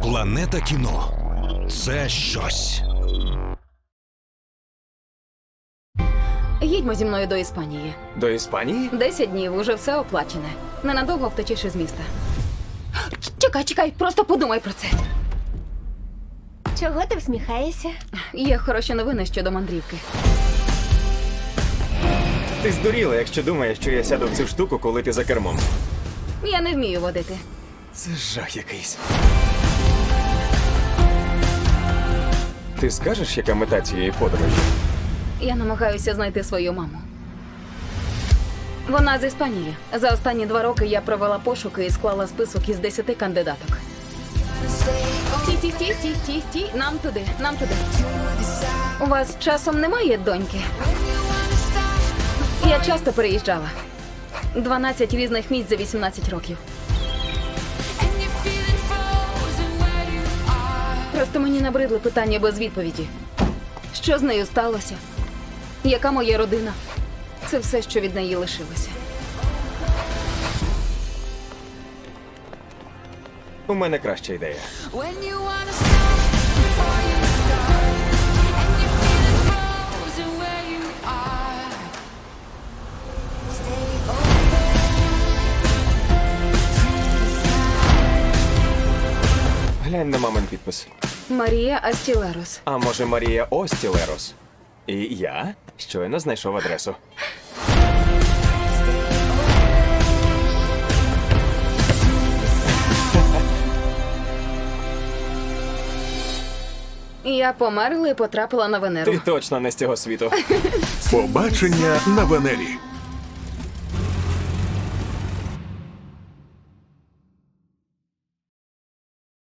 Планета кіно – це щось. Їдьмо зі мною до Іспанії. До Іспанії? 10 днів, уже все оплачене. Ненадовго втечеш із міста. Чекай, просто подумай про це. Чого ти всміхаєшся? Є хороші новини щодо мандрівки. Ти здуріла, якщо думаєш, що я сяду в цю штуку, коли ти за кермом. Я не вмію водити. Це жах якийсь. Ти скажеш, яка мета цієї подорожі? Я намагаюся знайти свою маму. Вона з Іспанії. За останні 2 роки я провела пошуки і склала список із 10 кандидаток. Стій. Нам туди. У вас часом немає доньки? Я часто переїжджала. 12 різних місць за 18 років. Просто мені набридли питання без відповіді. Що з нею сталося? Яка моя родина? Це все, що від неї лишилося. У мене краща ідея. Глянь на мамин підпис. Марія Астілерос. А може Марія Остілерос? І я щойно знайшов адресу. Я померла і потрапила на Венеру. Ти точно не з цього світу. Побачення на Венері.